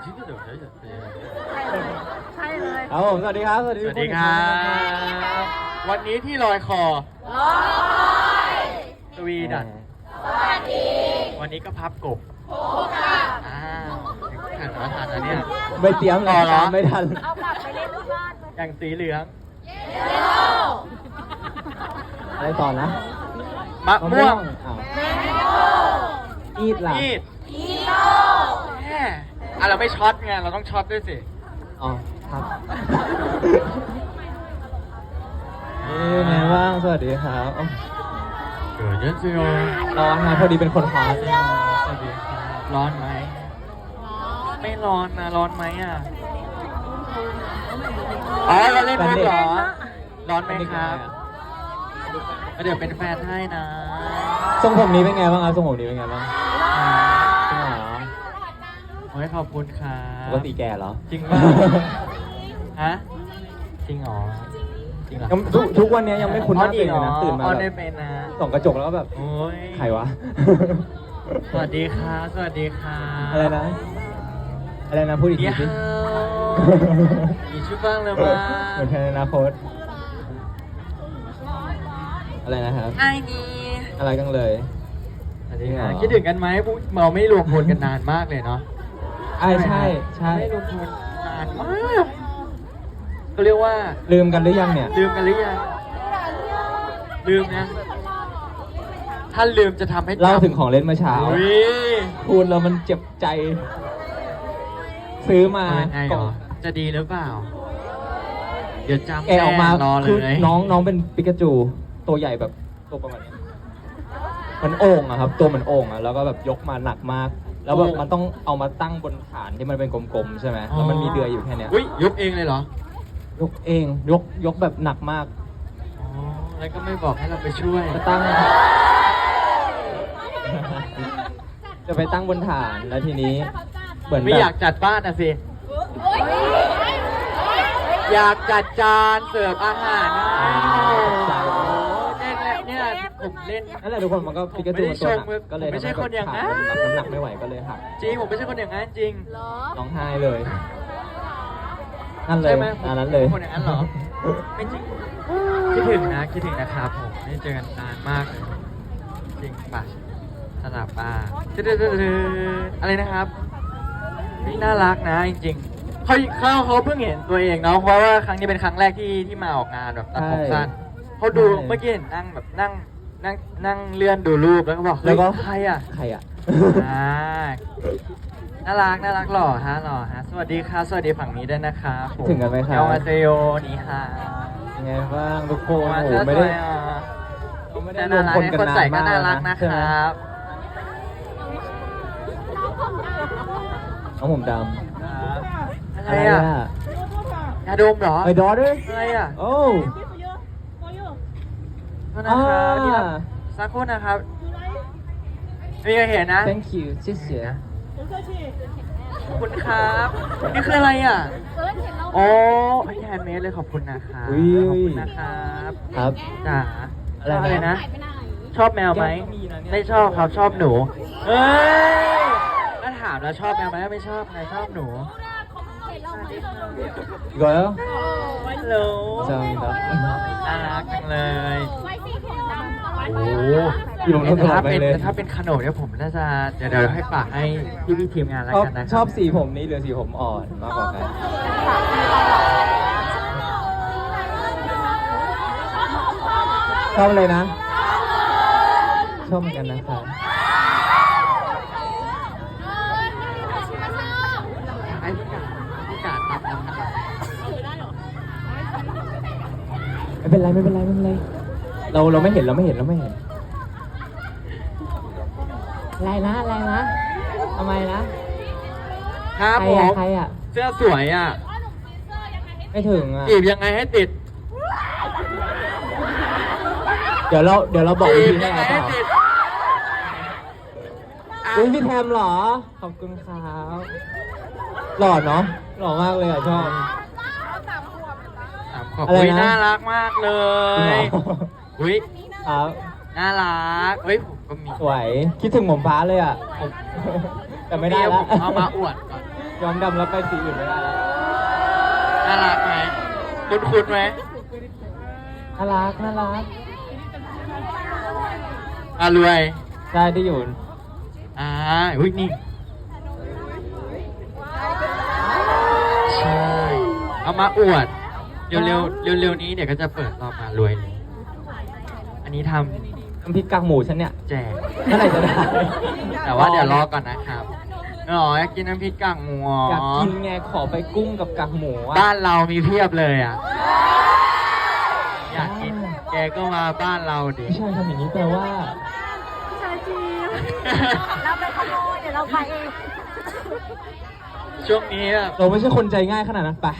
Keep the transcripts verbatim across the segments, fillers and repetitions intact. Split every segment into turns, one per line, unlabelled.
ใช่เลย
ครับผมสวัสดีครับสวัสดี
สวัสดีครับ วันนี้ที่ลอยคอลอยสวีดันสวัสดี วันนี้ก็พับกบอ้าวทันแล้วทันแล้วเนี่ย
ไม่เตรียมเลย
ต่อเหรอ
ไม่ทัน
เอากลับไปเล่นที่บ้านเลย
อย่างสีเหลือง
อะไรต่อนะ
มะม่วง
อ้าวอีดล่ะ
มีดแม่อ่ะเราไม่ช็อตไงเราต้องช็อตด้วยสิ
อ๋อครับนี่ไงบ้างสวัสดีครับอ๋อ
เกิดเยอะสิโอ
ร้อนนะพอดีเป็นคนฮอต
สวัสดีครับร้อนไหมไม่ร้อนนะร้อนไหมอ่ะอ๋อเราเล่นมุกเหรอร้อนไหมครับเดี๋ยวเป็นแฟนให้นะ
ทรงผมนี้เป็นไงบ้างครับทรงผมนี้เป็นไงบ้างจริงเหรอ
โอ้ยขอบคุณครั
ป
บ
กติแก่เหรอ
จริงป่ะฮะจริงเหรอจริงเหรอ
ยังทุกทุกวันนี้ยังไม่คุ้นหน้าตัวเองเลยนะ
อ๋อ
ตื่นมา
อ๋อ
แบ
ได้
บ
เป็นนะ
ส่องกระจกแล้วก็แบบ
โอ้ย
ใครวะ
สวัสดีครับสวัสดีครับ
อะไรนะ อะไรนะพูดอีกที
เดี๋ยว
สิ
มีชื่อบ้างเลยมั้ย
เหมือนแทนอนาคตอะไรนะครับ
ไอ้นี่
อะไรกันเลย
สวัสดีครับคิดถึงกันไหมพวกเราไม่รวมพลกันนานมากเลยเนาะ
ใช่ใช่ใช่
ไม่รวมพลนานมากก็เรียกว่า
ลืมกันหรือยังเนี่ย
ลืมกันหรือยังลืมนะถ้าลืมจะทำให้จำ
เล่าถึงของเล่นเมื่อเช้า
อุ๊ย
พูดแล้วมันเจ็บใจ ซื้อมา
เอายังไงเหรอจะดีหรือเปล่า เดี๋ยวจำ
แกะออกมา
แน่รอเล
คือย น้องน้องเป็นปิกาจู ตัวใหญ่แบบตัวประมาณนี้เหมันโอ่งอะครับ ตัวเหมือนโอ่งอะแล้วก็แบบยกมาหนักมาก แล้วแบบมันต้องเอามาตั้งบนฐานที่มันเป็นกลมๆใช่ไหมแล้วมันมีเดือยอยู่แค่เนี้ย
อุ้ยยกเองเลยเหรอ
ยกเองยกยกแบบหนักมาก
อ๋อแล้วก็ไม่บอกให้เราไปช่วย
จะตั้ง จะไปตั้งบนฐานแล้วทีนี้ เหมือน
ไม่
แบบ
อยากจัดบ้านอะสิ อยากจัดจานเสิร์ฟอาหารนะเนี่ยเนี่ยผมเล่น
นั่นแหละทุกคนมันก็ปิกาจูมันตัวหนักก็เลย
ผมไม่ใช่
ทำให้
คนอย่างนั้น
ขามันน้ำหนักไม่ไหวก็เลยหัก
จริงผมไม่ใช่คนอย่างนั้นจริง
เหรอ
ร้องไห้เลยนั่นเลย
ใช่ไหม
อันนั้นเลย
คนอย่างนั้นเหรอ ไม่จริงคิดถึงนะคิดถึงนะครับผมไม่ได้เจอกันนานมากเลยจริงป่ะสลับป่ะอะไรนะครับนี่น่ารักนะจริงๆเขาเขาเขาเพิ่งเห็นตัวเองเนาะเพราะว่าครั้งนี้เป็นครั้งแรกที่ที่มาออกงานแบบตัดผมสั้นเขาดูเมื่อกี้เห็นนั่งแบบนั่งนั่งนั่งเลื่อนดูรูปแล้วก็บอกเฮ้
แล้
ยว
ก็
ใครอ่ะ
ใครอ่ะ
อ่าน่ารักน่ารักหล่อฮะหล่อฮะสวัสดีครับสวัสดีฝั่งนี้ด้วยนะครับผม
ถึงกันไหมครับ
ยองอาเซโยนี่ฮะ
ยังไงบ้างทุกคน
มา
โอ้โห
เสื้อ
ไม่
ส
ได้
วยอ่ะ
เราไม่ได้
น่าร
วม
รัก
คน
ให้
กัน
คน
นาน
ใส่ก็
มาก
น่า
แล้ว
รัก
นะ
นะ
ใช่
ค
ไหม
รับ
น้องผมด
ครับ
ำ
อะไรอ่ะยาดมเหรอ
ไอ้ดอเดอร์
อะไรอ่ะ
โอ้
โทษนะครับ
อ่า
นี่ครับสักครู่นะครับมีใครเห็นนะ
thank you 谢谢
ขอบคุณครับนี่คืออะไรอ่ะ
เอิร์ธเห็นเรา
อ๋อแฮนด์เมดเลยขอบคุณนะครับ
อุ้ย
ขอบคุณนะครับ
ครับ
จ๋า
อะไรนะ
อะไรนะ
หายไปไหน
ชอบแมวไหม
แก้วก็มีนะเนี่ย
ไม่ชอบครับชอบหนูเอ้ยถ้าถามแล้วชอบแมวไหมไม่ชอบใครชอบหนู
เห็นเราไหม
อีกแล้ว
ฮัลโหล
จำได้
น่ารักจังเลย
ไว้สีผมดำตลอด
โอ้
อยู่ตรงนั้นตลอ
ถ้า
ดไป
เป็น
เลย
ถ้าเป็นขนมเนี่ยผมน่าจะเดี๋ยวเดี๋ยวให้ฝากให้พี่พี่ๆทีมงานแล้ว
ชอบ
กันนะค
ช
รั
อบสีผมนี้หรือสีผมอ่อนมากกว่ากันชอบเลยนะ ชอบเหมือนกันนะครับ
ให้พี่กาดพี่กาดตัดน้ำนะครับ
ไม่เป็นไรไม่เป็นไรไม่เป็นไร เราเราไม่เห็นเราไม่เห็นเราไม่เห็น อะไรนะอะไรนะทำไมนะครับ ใคร
ผ
อะ
ม
ใครอะ
เสื้อสวยอ่ะ
ไม่ถึงอะ
จีบยังไงให้ติด
เดี๋ยวเราเดี๋ยวเราบอก
จี
วิ
บ
ธี
ยั
ให้
งไง
เป
ให้
ล่า
ติดอ่ะ
อุ้ยพี่แทมเหรอ ขอบคุณครับหล่อเนาะหล่อมากเลยอ่ะชอบ
ถามขอบ
อะไร
อุ้ย
นะ
น่ารักมากเล
จริงเหร
ย
อ
อุ้ย
ครับ
น่ารักเฮ้ยผมก็มี
สวยคิดถึงหมอมฟ้าเลยอ่ะผม แต่ไม่ได้ละ
ผมเอามาอวดก่อน
ย้อมดำแล้วไปสีอื่นไม่ได้แล้ว
น่ารักไหมคุ้นคุ้นๆไหม
น่ารักน่ารัก
อารวย
ใช่ที่อยู่
อ่าอุ้ยนี่ใช่เอามาอวดเร็วเร็วเร็วเร็วๆนี้เดี๋ยวก็จะเปิดรอบมารวยเลยอันนี้ท
น้ำพริกกากหมูฉันเนี่ย
ำแจก
เมื่อไหร่จะได้
แต่ว่าเดี๋ยวรอก่อนนะครับอ๋ออยากกินน้ำพริกกากหมูอ๋อ
อยากกินไงขอไปกุ้งกับกากหมูอ่ะ
บ้านเรามีเพียบเลยอ่ะอยากกินแกก็มาบ้านเราดิ
พี่ชายทำอย่างนี้แปลว่า
ชายจีเราไปขโมยเดี๋ยวเราไปเอง
ช่วงนี้แบบ
เราไม่ใช่คนใจง่ายขนาดนั้นไป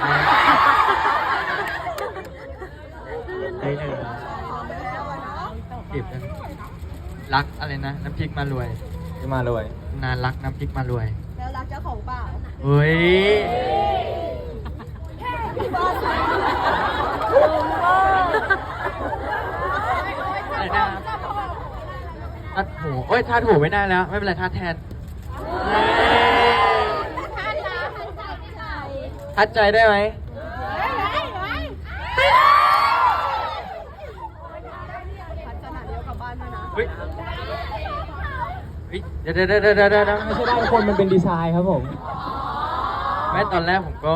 ได้เลยจีบกันรักอะไรนะ น้ำพริกมารวย
ที่มาเลย
นานรักน้ำพริกมารวย
แล้วรักเจ้าของเปล่า
เฮ้ยอะไรนะทัดหูโอ้ยทัดหูไม่ได้แล้ว ไม่เป็นไรทัดแทนทัดใจได้ไหมเฮ้ยเฮ้ยเดี๋ยวเดี๋ยวเดี๋ยวเดี๋ยวเดี๋ยว
ไม่ใช่ได้คนมันเป็นดีไซน์ครับผม
แม้ตอนแรกผมก็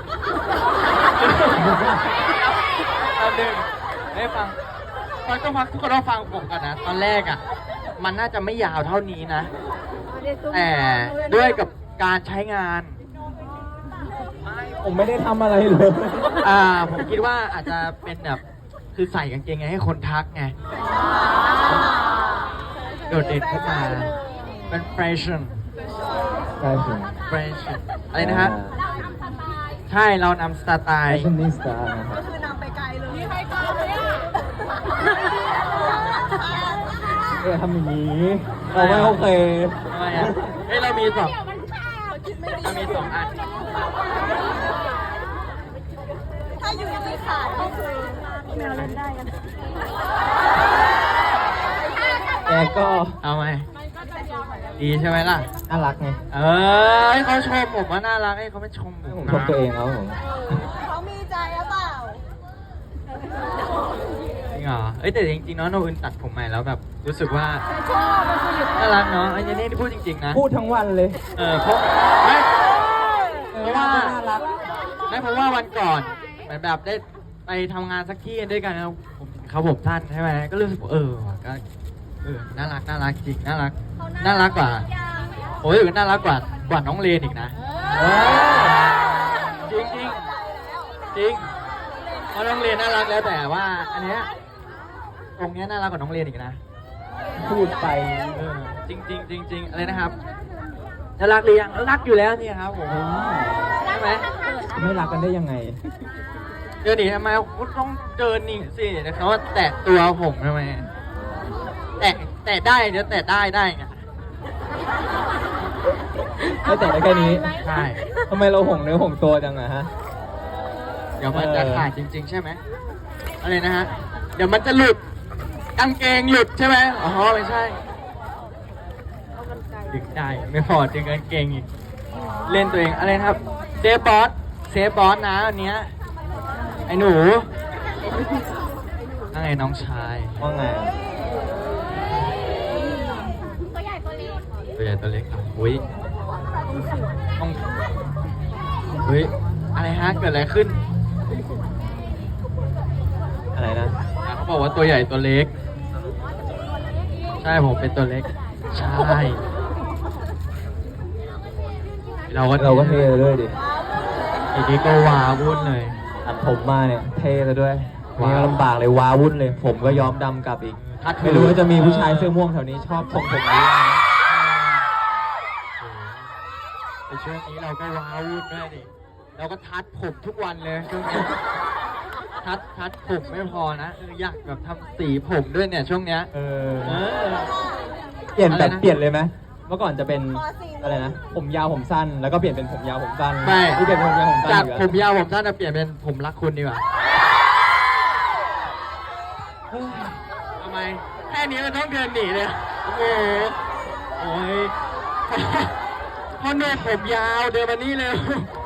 ตอนหนึ่งไม่ฟังตอนต้องฟังทุกคนต้องฟังผมกันนะ ตอนแรกอ่ะ มันน่าจะไม่ยาวเท่านี้นะ แต่ด้วยกับการใช้งาน
ผมไม่ได้ทำอะไรเลย
อ่า ผมคิดว่าอาจจะเป็นแบบ คือใส่กางเกงไงให้คนทักไง โดดเด่นขึ้นมา เป็นแฟชั่น
ใช่สิ
แฟชั่นอะไรนะฮะ ใช่เรานำสไต
แฟ
ล์
ชั่นนิสต้านะครับ
คือนำไปไกลเลยมีใครกล้าเลยอ่ะ
เออทำอย่างนี้เราไม่โอเค
ทำไมอ่ะเฮ้ยเรามีสองเรามีสองอัน
ถ้าอยู่ในขาดก็คือแมวเล่นได้กัน
แกก็
เอาไหมดีใช่ไหมล่ะ
น่ารักไง
เออให้เขาชมผมว่าน่ารักให้เขาไม่ชมผ
ผม
ม
ชมตัวเองครับผม
เขามีใจหรือเปล่า
จริงเหรอเอ้ยแต่จริงๆเนาะโนอื่นตัดผมใหม่แล้วแบบรู้สึกว่า
ชอบมันคืออยู่
น่ารักเนาะไอ้เจนี่ที่พูดจริงๆนะ
พูดทั้งวันเลย
เออเพราะไม่
เออ
เพราะว่า
น่ารัก
ไม่เพราะว่าวันก่อนเหมือนแบบได้ไปทำงานสักที่ด้วยกันแล้วผมเขาผมสั้นใช่ไหมก็รู้สึกว่าเออว่ะก็เออน่ารักน่ารักจริงน่ารักน่ารักกว่าโอ้ยน่ารักกว่ากว่าน้องเลนอีกนะ
เออ
จริงจริงจริงเพราะน้องเลนน่ารักแล้วแต่ว่า อันเนี้ยตรงเนี้ยน่ารักกว่าน้องเลนอีกนะ
พูดไป
เออจริงจริงจริงจริงอะไรนะครับน่ารักหรือยังรักอยู่แล้วนี่ครับผมใช่ไหม
ไม่รักกันได้ยังไง
เดินหนีทำไมคุณต้องเดินหนีสิเดี๋ยวเขาแตะตัวผมทำไมแตะแตะได้เดี๋ยวแตะได้ได้ไง
ไม่แต่ได้แค่นี้
ใช่
ทำไมเราห่วงเนื้อห่วงตัวจังอะฮะ
เดี๋ยวมันจะขาดจริง ๆ ใช่ไหมอะไรนะฮะเดี๋ยวมันจะหลุดกางเกงหลุดใช่ไหมอ๋อไม่ใช่ดึงได้ไม่พอดึงกางเกงอีกเล่นตัวเองอะไรนะครับเซฟบอสเซฟบอสนะอันเนี้ยไอ้หนูนั่นไงน้องชาย
ว่าไง
ตัวใหญ่ตัวเล็ก
ตัวใหญ่ตัวเล็กอ่ะอุ้ยต้องเฮ้ยอะไรฮะเกิดอะไรขึ้น
อะไรนะ
อ่ะเขาบอกว่าตัวใหญ่ตัวเล็ก ใช่ผมเป็นตัวเล็ก ใช่เราก็
เราก็เท่ซะด้วยดิ
อีกทีก็วาวุ่นเลย
ตัดผมมาเนี่ยเท่ซะด้วย
ว้าว
นี่ก็ลำบากเลยว้าวุ่นเลย ผมก็ย้อมดำกลับอีก
ทัดหู
ไม่รู้ว่าจะมีผู้ชายเสื้อม่วงแถวนี้ชอบทรงผมนี้ไหม
ในช่วงนี้เราก็ว้าวุ่นด้วยดิเราก็ทัดผมทุกวันเลยช่วงนี้ทัดทัดผมไม่พอนะเอออยากแบบทำสีผมด้วยเนี่ยช่วงเนี้ย
เออ
เออ
เปลี่ยนแบบ
อะไรนะ
เปลี่ยนเลยไหมเมื่อก่อนจะเป็นอะไรนะ ผมยาวผมสั้น แล้วก็เปลี่ยนเป็นผมยาวผมสั้น
ไม่
นี่เปลี่ยนเป็นผมยาวผมสั้น
จาก
อีก
ผ
แล้ว
มยาวผมสั้นจะเปลี่ยนเป็นผมรักคุณดีกว่า
เฮ้ย
ทำไมแค่นี้มันต้องเดินหนีเลยโอ้โหโอ้ยพ่อหนุ่มผมยาวเดินมานี่เร็ว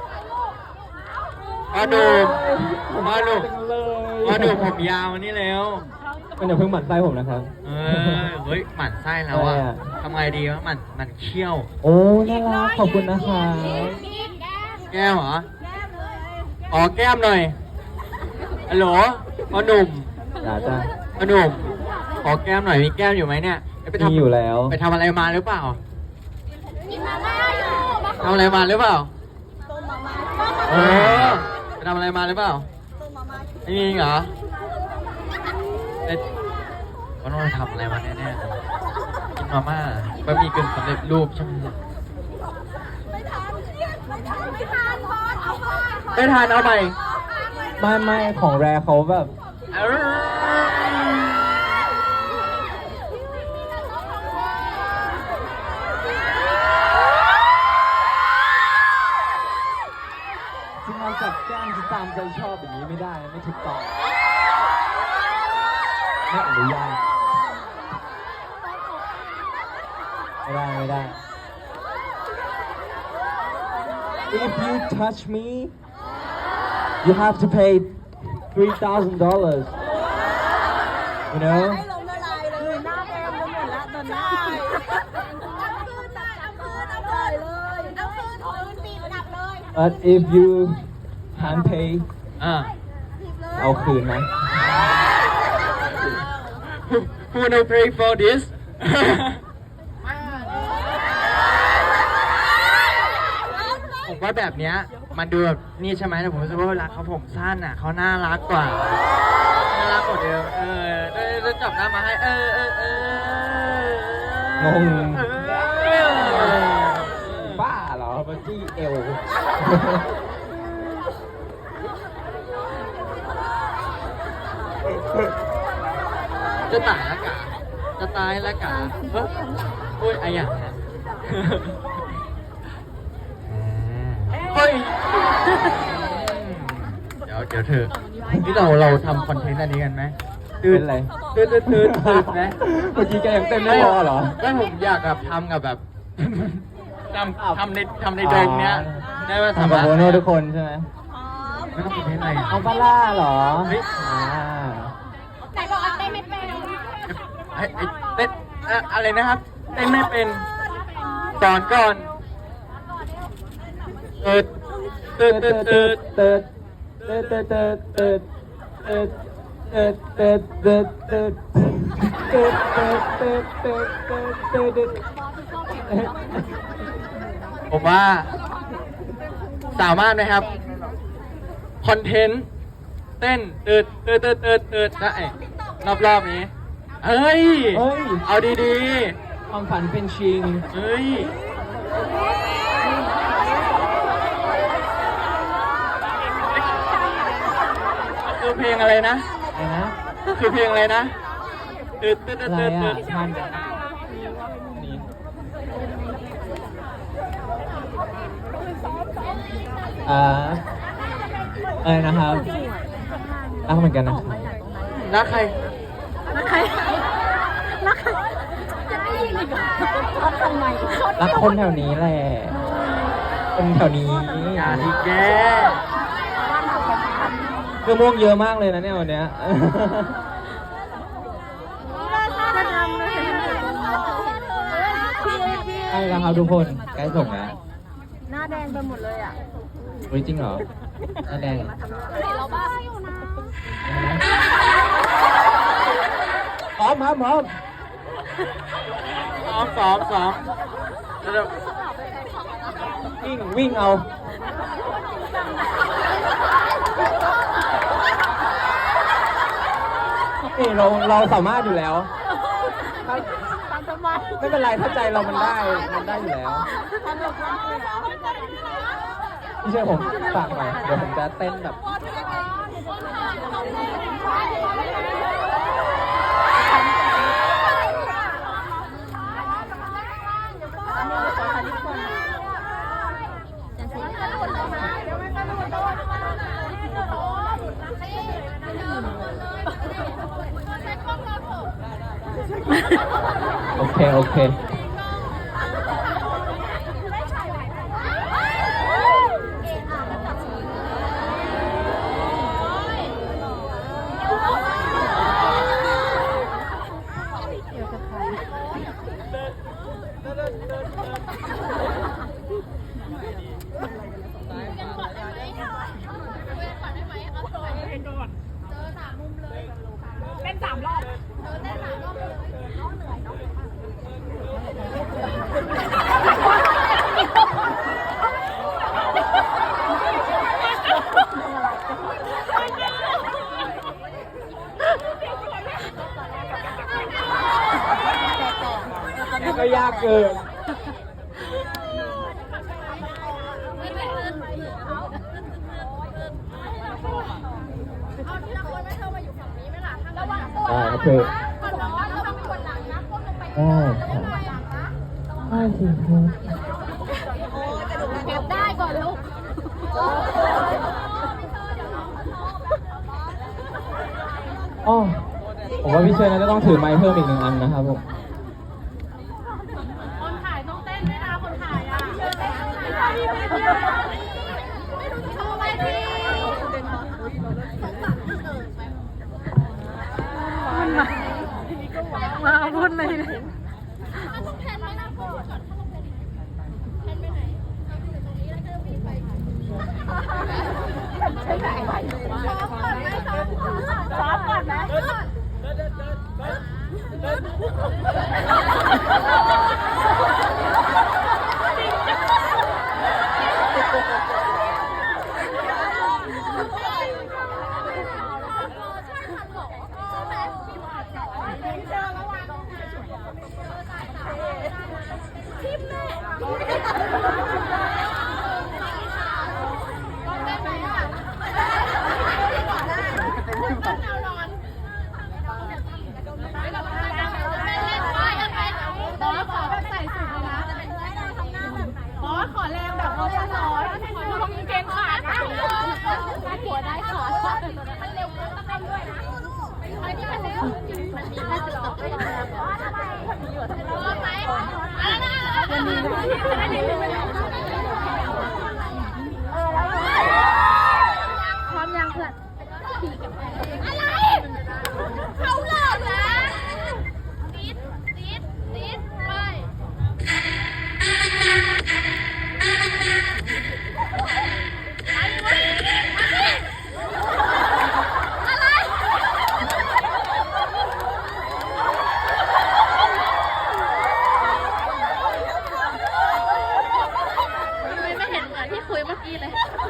พ่อหนุ่มพ่อหนุ่มพ่อหนุ่มผมยาวมานี่เร็ว
มันอย่าเพิ่งหมั่นไส้ผมนะครับ
เออเฮ้ยหมั่นไส้แล้วอ่ะ
อะไรอะ
ทำไงดีวะหมั่นหมั่นเคี้ยว
โอ้น่ารักขอบคุณนะคะ
แก้มเหรออ๋อแก้มหน่อยฮัลโหลพ่อหนุ่ม
จ้าจ้า
พ่อหนุ่มขอแก้มหน่อยมีแก้มอยู่ไหมเนี่ยไป
มีอยู่แล้ว
ไปทำอะไรมาหรือเปล่าทำอะไรมาหรือเปล่าเออไปทำอะไรมาหรือเปล่าไม่มีเหรอเอ๊ะว่าน้องทำอะไรมาแน่ๆกินมาม่าบะหมี่กึ่งสำเร็จรูปใช่ไหมไม่ทานเอาไป
ไม่ไม่ของแรเขาแบบ
เอ้ย
ที่มาจับแก้มที่ตามใจชอบอย่างนี้ไม่ได้ไม่ถูกต้องไม่อนุญาตไม่ได้ไม่ได้ If you touch me you have to pay three thousand dollars you know
ให้ลงละลายเลยหน้าแดงไปหมดแล้วตอนนี้เอาคืนเอาคืนเอาคืนเอาคืนปีหนักเลย
but if you can't pay
อ่า
เอาคืนนะ
Who wanna pay for this ผมว่าแบบเนี้ยมันดูแบบนี่ใช่ไหมแต่ผมรู้สึกว่าเวลาเขาผมสั้นอ่ะเขาน่ารักกว่าน่ารักกว่าเดิมเออได้ได้จับหน้ามาให้เออเออเออง
ง
เออ
บ้าเหรอมาจี้เอว
จะตายละกาจะตายละกาเฮ้ยพูดอะไรอย่างเนี้ยเฮ้ยเดี๋ยวเดี๋ยวเธอที่เราเราทำคอนเทนต์อันนี้กันไหม
เป็นไร
ตื่นตื่นตื่นตื่นนะ
เมื่อกี้แกยังเต้นไม่พอเหรอ
ก็ผมอยากแบบทำกับแบบทำทำในทำในโดมเนี้ยได้ไหม
ทำกับโบโน่ทุกคนใช่ไหม
ไม่ต้องคอนเทนต์อะไรอ่ะ
เอาปลาล่าเหรอ
เฮ้ย
อ่า
ไหนบอกว่าเต้นไม่เป็น
ไอ้ไอ้เต้นอะอะไรนะครับเต้นไม่เป็นสอนก่อนเติร์ดเติร์ดเติร์ดเติร์ด
เติร์ดเติร์ดเติร์ดเติร์ดเติร์ดเติร์ดเติร์ดเติร์ดเติร์ดเติร์ดเติร์ดเติร์ดเติร์ดเติร์ดเติร์ดเติร์ดเติร์ด
ผมว่า สามารถไหมครับ คอนเทนต์ เต้นตืดตืดตืดตืดตืดได้รอบรอบๆนี้ เฮ้ย
เฮ้ย
เอาดี
ความฝันเป็นจริง
ๆ เฮ้ย คือเพลงอะไรนะ
อะไรนะ
คือเพลงอะไรนะตืดตืดตื
อะ
ด
ไร
ตืดตื
อ่ะ
ด
ท่านนี่อ่าอะไรนะครับรักเหมือนกันนะครับ
รักใคร
รักใครรักใครจะได้ยินอีกเหรอรักทำไม
รักคนแถวนี้แหละคนแถวนี้
อย่าดีแก
คือม่วงเยอะมากเลยนะเนี่ยวันเนี้ย
จะทำเลยพี่พี่
ใช่แล้วครับทุกคนใกล้ส่งแล้ว
หน้าแดงไปหมดเลยอ่ะ
เฮ้ยจริงเหรอหน้าแดง
เราบ้าอยู่นะ
พร้อมครับพร้อม
ซ้อมซ้อมซ้อมแล้วเดี๋ยว
วิ่งวิ่งเอานี่เราเราสามารถอยู่แล้วถ้า
ตามสบาย
ไม่เป็นไรถ้าใจเรามันได้มันได้อยู่แล้ว
ทำแบบนั้นเลยเหรอ
พี่เชื่อผมฝากหน่อยเดี๋ยวผมจะเต้นแบบโอเคโอเคเกิน
เอาทีละคนไม่เธอมาอยู่ฝั่งนี้ไหมล่ะระวังตัว
ได้
นะครับ
เพื่อน
คนน้อยระวังเป็นคนหลังนะก้มลงไป
ได้ครับ
หลังนะ
ได้สิครับ
เก็บได้ก่อนลูก
อ๋อผมว่าพี่เชยน่าจะต้องถือไมค์เพิ่มอีกหนึ่งอันนะครับผม
คนถ่ายต้องเต้นด้วยนะคนถ่ายอ่ะไม่รู้จะทำอะไรดีมาพูดเลยต้องแพนไหมนะก่อนแพนไปไหนเอาอยู่ตรงนี้แล้วก็วิ่งไปใช่ไหมซ้อมก่อนไหมซ้อมก่อนซ้อมก่อนไหม บอสขอแรงแบบบอสร้อยขอลงเกงขาดนะหัวได้ขาดมันเร็วเกินต้องทำด้วยนะไอ้นี่มันเร็วมันมีแค่จะออกได้ยังไงบอสทำไมมีอยู่ที่รถไหมอะไรนะมันมีอันนี้มันเออแล้วพร้อมยังเพื่อนอะไรเขาเลิกนะติดติดติดไป ไม่เห็นเหมือนที่คุยเมื่อกี้เลย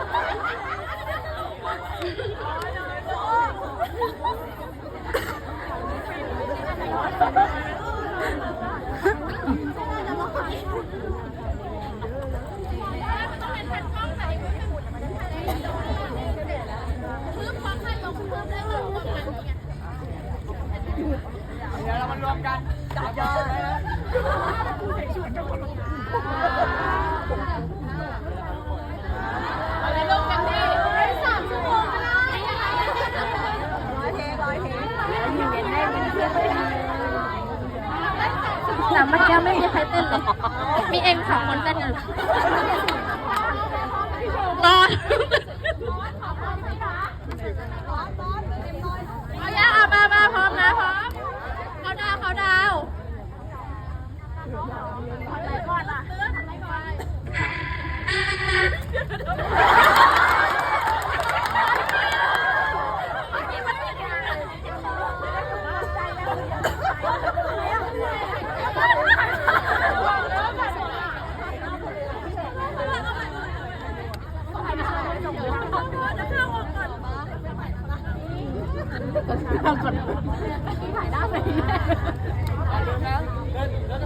เดี๋ยวเรามารวมกันจับยอดเลยนะ
อะไรลงกันดิสามชั่วโมงก็ได้ร้อยเทร้อยเทแต่เมื่อกี้ไม่มีใครเต้นเลย มีเองสองคนเต้นอยู่ตอนเอาย่าเอามามาพร้อมนะพร้อมเขาดาวเขาดาวอะไรก่อนล่ะอะไรก่อนถ่ายได้ไหม